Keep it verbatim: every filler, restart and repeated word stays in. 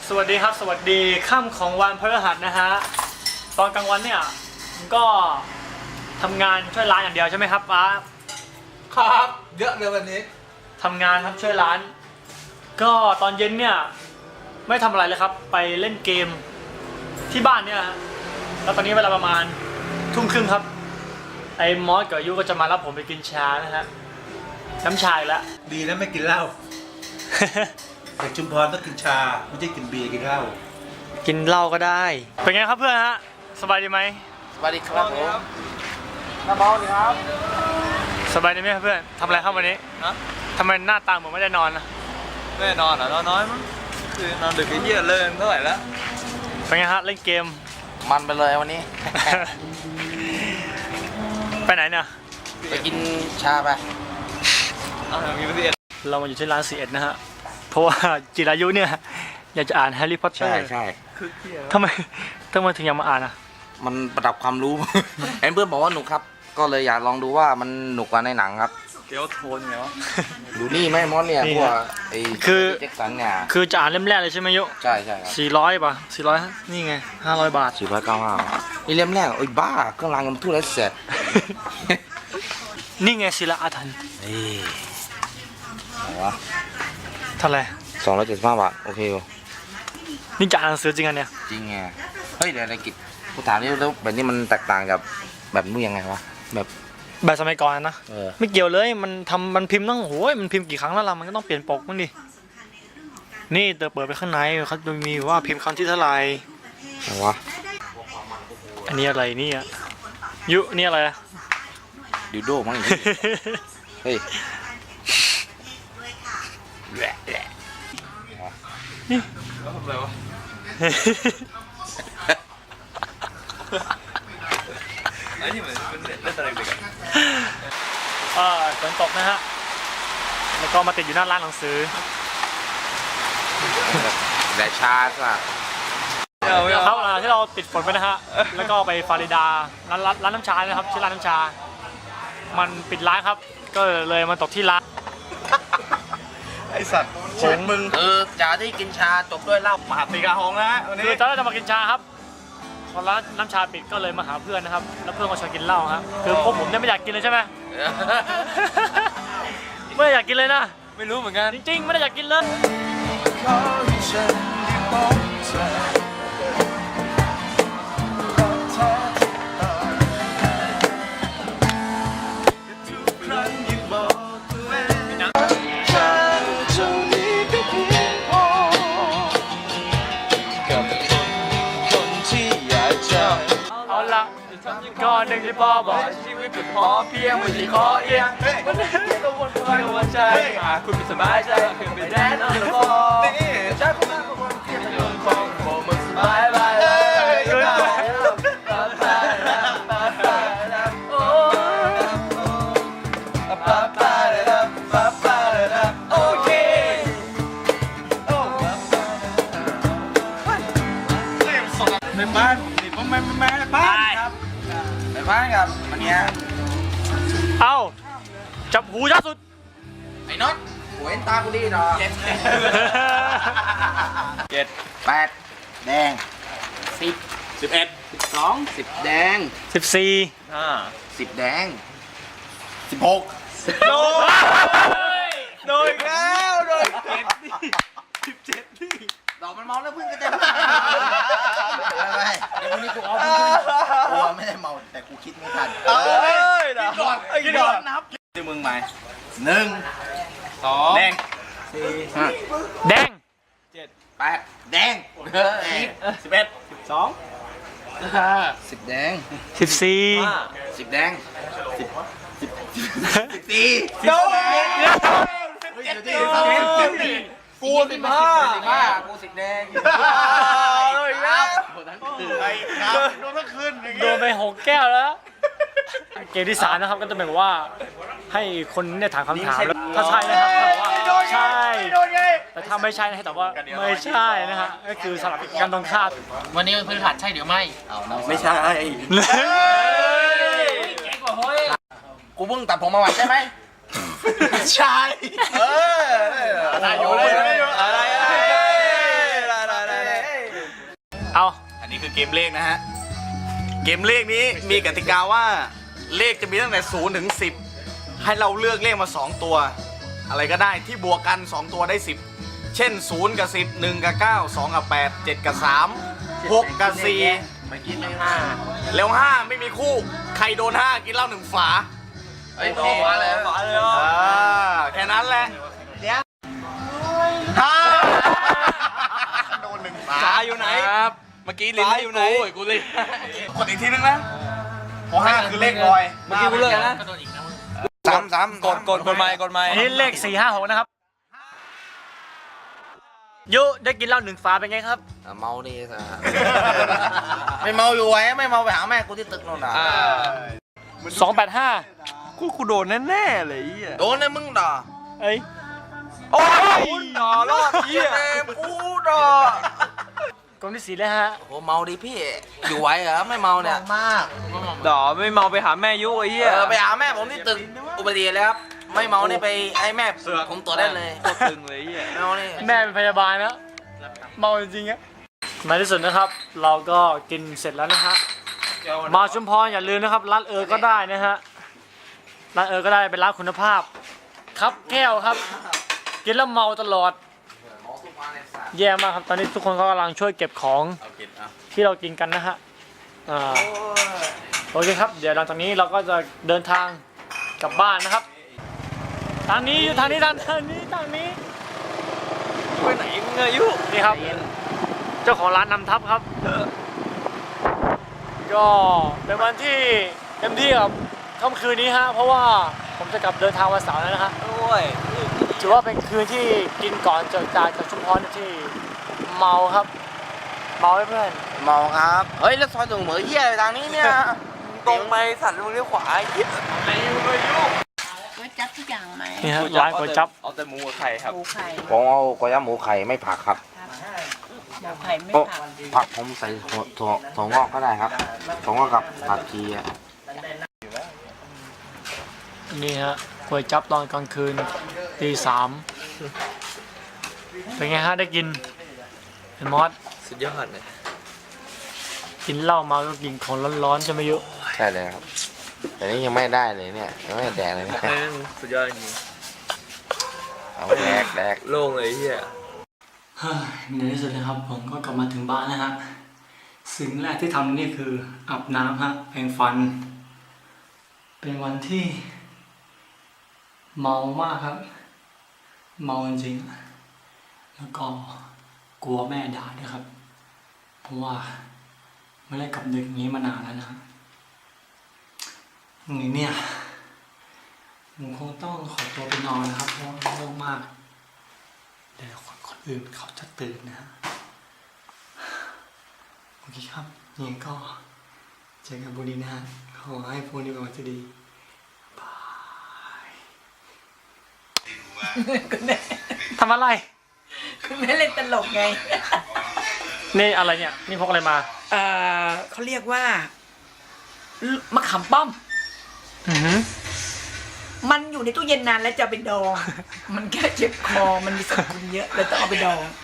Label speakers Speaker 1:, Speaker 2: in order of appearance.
Speaker 1: สวัสดีครับสวัสดีค่ำของวันพฤหัสนะฮะตอนกลางวันเนี่ยก็ทำงานช่วยร้านอย่างเดียวใช่ไหมครับป้า
Speaker 2: ครับเยอะเลยวันนี้
Speaker 1: ทำงานครับช่วยร้าน ก็ตอนเย็นเนี่ยไม่ทำอะไรเลยครับไปเล่นเกมที่บ้านเนี่ยแล้วตอนนี้เวลาประมาณทุ่มครึ่งครับไอ้มอสกับยูก็จะมารับผมไปกินชานะฮะน้ำชาแล้ว
Speaker 2: ดีนะไม่กินเหล้า แต่ชุมพรต้องกินชาไม่ใช่กินเบียร์กินเหล้า
Speaker 1: กินเหล้าก็ได้เป็นไงครับเพื่อนฮะสบายดีไหม
Speaker 3: สบายดีครับผม
Speaker 1: น้าเบาดีครับสบายดีไหมเพื่อนทำอะไรครับวันนี้ฮะทำไมหน้าตาเหมือนไม่ได้นอนนะ
Speaker 3: ไม่ได้นอนเหรอนอนน้อยมั้งคือนอนดึกไอ้เหี้ยเลิกเท่าไหร่แล้ว
Speaker 1: เป็นไงฮะเล่นเกม
Speaker 3: มันไปเลยวันนี้
Speaker 1: ไปไหนเนี่ย
Speaker 3: ไปกินชาไปเอาอย่างนี้ไปสิ
Speaker 1: เรามาอยู่ที่ร้านซีเอ็ดนะฮะเพราะว่าจิรายุเนี่ยอยากจะอ่านแฮร์รี่พอตเตอร์
Speaker 3: ใช่ใช่
Speaker 1: ทำไมทำไมถึงอยากมาอ่านอ่ะ
Speaker 3: มันประดับความรู้ เห็นเพื่อนบอกว่าหนุกครับก็เลยอยากลองดูว่ามันหนุกกว่าในหนังครับ
Speaker 1: เกี่ยวโทนไงวะ
Speaker 3: ดูนี่ไหมมอสเนี่ยพวกไอ้
Speaker 1: คือ
Speaker 3: แจ็คสันเนี่ย
Speaker 1: คือจะอ่านเล่มแรกเลยใช่ไหมยุ
Speaker 3: ใช่ใช่ครับ
Speaker 1: สี่ร้อยป่ะสี่ร้อยนี่ไงห้าร้อยบาท
Speaker 3: สี่ร้อยเก้าห้านี่เล่มแรกโอ้ยบ้าเครื่องรางเงินทุเรศเสร็จ
Speaker 1: นี่ไงศิลาอาถรรพ์
Speaker 3: เฮ้ยอะไรวะ
Speaker 1: เท่าไหร่
Speaker 3: สองร้อยเจ็ดสิบห้าบาทโอเคอยู่
Speaker 1: นี่จะอ่านหนังสือจริงอันเนี่ย
Speaker 3: จริงไงเฮ้ยเดี๋ยวอะไรกิจกูถามนี่แล้วแบบนี้มันแตกต่างกับแบบนู้นยังไงวะแบบ
Speaker 1: แบบสมัยก่อนนะไม่เกี่ยวเลยมันทำมันพิมพ์ต้องโอ้ยมันพิมพ์กี่ครั้งแล้วล่ะมันก็ต้องเปลี่ยนปกมั้งดินี่เติมเปิดไปข้างในเขาจะมีว่าพิมพ์ครั้งที่เท่าไหร่
Speaker 3: อะไรวะ
Speaker 1: อันนี้อะไรนี่อ่ะยุนี่อะไรอะ
Speaker 3: ดิวโดมั้งเฮ้ยแหละแหละ
Speaker 1: นี่
Speaker 3: แล้วทำอะไรวะไอ้นี่เหมือนเป็นเล่นอะไรเด็กอ่ะ
Speaker 1: อ่าฝนตกนะฮะแล้วก็มาติดอยู่หน้าร้านหนังสือ
Speaker 3: แต่ชาสัก
Speaker 1: ครับที่เราติดฝนไปนะฮะแล้วก็ไปฟาริดาร้านร้านน้ำชานะครับชื่อร้านน้ำชามันปิดร้านครับก็เลยมาตกที่ร้าน
Speaker 2: ไอสัตว์ชีวิตมึง
Speaker 3: เออจ่าที่กินชาจบด้วยเหล้าปาตีกาหงนะวันนี้
Speaker 1: คือตอนแรกจะมากินชาครับพอร้านน้ำชาปิดก็เลยมาหาเพื่อนนะครับแล้วเพื่อนก็ชวนกินเหล้าครับคือพวกผมเนี่ยไม่อยากกินเลยใช่ไหมไม่อยากกินเลยนะ
Speaker 3: ไม่รู้เหมือนกัน
Speaker 1: จริงๆไม่ได้อยากกินเลยก่อนหนึ่งที่พ่อบอกชีวิตเป็นพอเพียงไม่ใช่ขอเอียงวันนี้ก็วนไปวนใจหากคุณไม่สบายใจคือไปแดนอนแล้วบอกใจผมมาคนเที่ยวโดนคงโผล่มันสบายไปเลยโอเค
Speaker 2: ในบ้านนี่ผมไม่ไม่ในบ้านครับ
Speaker 3: ไปบ้านกับมันเนี้ย
Speaker 1: เอาจับหูยาสุด
Speaker 3: ไอ้น็อตหัวเอ็นตากูดีหรอเจ็ดเจ็ดแปดแดงสิบสิบเอ็ดสิบสองสิบแดง
Speaker 1: สิบสี่
Speaker 3: ห้าสิบแดงสิบหก
Speaker 1: สิบโดนโดนแล้วโดนเจ็ดนี่สิบเจ็ดนี่
Speaker 3: ดอกมันเมาแล้วเพื่อนก็จะไม่เดี๋ยววันนี้กูเอาเพื่อนกูไม่ได้เมาแต่กูคิดไม่ทัน
Speaker 1: เอ้ยกินก่อนกินก่อน
Speaker 3: นับที่มึงใหม่หนึ่ง
Speaker 1: สอง
Speaker 3: แดงสี่
Speaker 1: แดง
Speaker 3: เจ็ดแปดแดงสิบเอ็ดสิบสองสิบแดง
Speaker 1: สิบสี่
Speaker 3: สิบแดงสิบสิบสิบสี่
Speaker 1: โดน
Speaker 3: เจ็ดสิบกูสิบห้าสิบห้ากูสิบแดง
Speaker 2: ครับไอ้ครับโดนทั้งคืน
Speaker 1: โดนไปหกแก้วแล้วเกมที่สามนะครับก็จะเป็นว่าให้คนเนี่ยถามคำถามแล้วถ้าใช่นะครับถ้าบอกว่าใช่แต่ถ้าไม่ใช่ให้ตอบว่าไม่ใช่นะฮะก็คือสลับกันตรงข้าม
Speaker 4: วันนี้พื้นฐานใช่หรือไม่
Speaker 3: ไม่ใช่
Speaker 4: เก่งกว่าเฮ้ย
Speaker 3: กูเพิ่งตัดผมมาวันใช่ไหม
Speaker 2: ใช่เออ
Speaker 3: อะไรอยู่เลยอะไรอะไรนี่คือเกมเลขนะฮะ เกมเลขนี้มีกติกาว่าเลขจะมีตั้งแต่ศูนย์ถึงสิบให้เราเลือกเลขมาสองตัว อะไรก็ได้ที่บวกกันสองตัวได้สิบเช่นศูนย์กับสิบ หนึ่งกับเก้า สองกับแปด เจ็ดกับสาม หกกับสี่
Speaker 4: เมื่อกี้เลขห้า
Speaker 3: แล้วห้าไม่มีคู่ ใครโดนห้ากินเหล้าหนึ่งฝา
Speaker 4: เฮ้ยโอ้มาเลยมาเลย
Speaker 3: อ่าแค่นั้นแหละ
Speaker 2: ฮ่า
Speaker 3: โดนหนึ่งฝาอยู่ไหน
Speaker 4: ครับเมื่อกี้ลิ้น
Speaker 3: ฟ้าอยู่ไหน
Speaker 4: กูกูเลย
Speaker 3: กดอีกทีนึงนะเพราะห้าคือเลขลอย
Speaker 4: เมื่อกี้กูเลิกนะก็โดนอีกนะมึง
Speaker 3: สามสาม
Speaker 2: กดกดกดไม้กดไม้
Speaker 1: อันนี้เลขสี่ห้าหกนะครับยุได้กินเหล้าหนึ่งฝาเป็นไงครับ
Speaker 4: เมาดีสิ
Speaker 3: ไม่เมาอยู่ไว้ไม่เมาไปหาแม่กูที่ตึกโน่นน่ะ
Speaker 1: สองแปดห้า
Speaker 2: กูกูโดนแน่ๆเลยไอ้เหี้ย
Speaker 3: โดนเลยมึงด่า
Speaker 1: เอ้ย
Speaker 2: โอ้ยต่อรอดเหี้ย
Speaker 3: เต็มกูด่าก
Speaker 1: ล่องที่สี่เลยฮะ
Speaker 3: โอ้เมาดิพี่ อยู่ไหวเหรอไม่เมาเนี่ยมาก
Speaker 2: ต่อไม่เมาไปหาแม่ยุไอ้เหี้ย
Speaker 3: เออไปหาแม่ผมที่ตึกอุบัติเหตุเลยครับไม่เมานี่ไปให้แม่ผมตรวจได้เลย
Speaker 2: โคตรตึงเลยไอ้เหี้ย
Speaker 3: ไม่เมานี่
Speaker 1: แม่เป็นพยาบาลนะเมาจริงๆอะในที่สุดนะครับ เราก็กินเสร็จแล้วนะฮะมาชุมพรอย่าลืมนะครับร้านเออก็ได้นะฮะร้านเออก็ได้เป็นร้านคุณภาพ ครับแก้วครับ กินแล้วเมาตลอด แย่มากครับตอนนี้ทุกคนก็กำลังช่วยเก็บของที่เรากินกันนะฮะอ่าโอเคครับเดี๋ยวหลังจากนี้เราก็จะเดินทางกลับบ้านนะครับทางนี้อยู่ทางนี้ทางนี้ทางนี้
Speaker 2: ไปไหนมึงอายุ
Speaker 1: นี่ครับ เจ้าของร้านนำทัพครับ ก็เป็นวันที่เต็มที่กับค่ำคืนนี้ฮะเพราะว่าผมจะกลับเดินทางวันเสาร์แล้วนะฮะ
Speaker 2: โอ้ย
Speaker 1: ถือว่าเป็นคืนที่กินก่อนเจอจากจากชุมพรที่เมาครับ เมาให้เพื่อน
Speaker 3: เมาครับเฮ้ยแล้วซอยตรงเหมือเหี้ยทางนี้เนี่ย
Speaker 2: ตรงไปสัตว์มึงเลี้ยวขวาไอ้เหี้ย
Speaker 5: ก๋วยจั๊บทุกอย่างไหม
Speaker 1: นี่ฮะร้านก๋วยจั๊บ
Speaker 2: เอาแต่หมูกับไข่ครับ
Speaker 5: หมูไข่
Speaker 3: ผมเอาก๋วยจั๊บหมูไข่ไม่ผักครับ
Speaker 5: หมูไข่ไม่ผัก
Speaker 3: ผักผมใส่ถั่วถั่วถั่วงอกก็ได้ครับถั่วงอกกับผักชีอะ
Speaker 1: นี่ฮะก๋วยจั๊บตอนกลางคืนตีสามเป็นไงฮะได้กินเห็นมอส
Speaker 2: สุดยอดเลย
Speaker 1: กินเหล้ามาก็กินของร้อนๆใช่ไหมยุ
Speaker 3: ใช่เลยครับแต่นี้ยังไม่ได้เลยเนี่ยยังไม่ได้แดกเลยเนี่ย
Speaker 2: สุดยอดจริง
Speaker 3: เอาแดกแดก
Speaker 2: โล่งเลยไอ้เหี้ย
Speaker 1: เฮ้ยในที่สุดนะครับผมก็กลับมาถึงบ้านนะฮะสิ่งแรกที่ทำนี่คืออาบน้ำฮะแปรงฟัน เป็นวันที่ เมามากครับ เมาจริงๆแล้วก็กลัวแม่ด่าด้วยครับ เพราะว่าไม่ได้กลับดึกอย่างนี้มานานแล้วนะอย่างนี้เนี่ยผมคงต้องขอตัวไปนอนนะครับเพราะว่าง่วงมากเดี๋ยวคนคนอื่นเขาจะตื่นนะฮะโอเคครับยังไงก็เจอกันบุรีนะฮะขอให้พวกนี้เป็นวันที่ดี ทำอะไร
Speaker 5: คุณแม่เล่นตลกไง
Speaker 1: นี่อะไรเนี่ย นี่พกอะไรมา
Speaker 5: เอ่อเขาเรียกว่า มะขามป้อม
Speaker 1: อือหือ
Speaker 5: มันอยู่ในตู้เย็นนานแล้วจะเอาไปดอง มันแค่เจ็บคอ มันมีสารพิษเยอะเลยต้องเอาไปดอง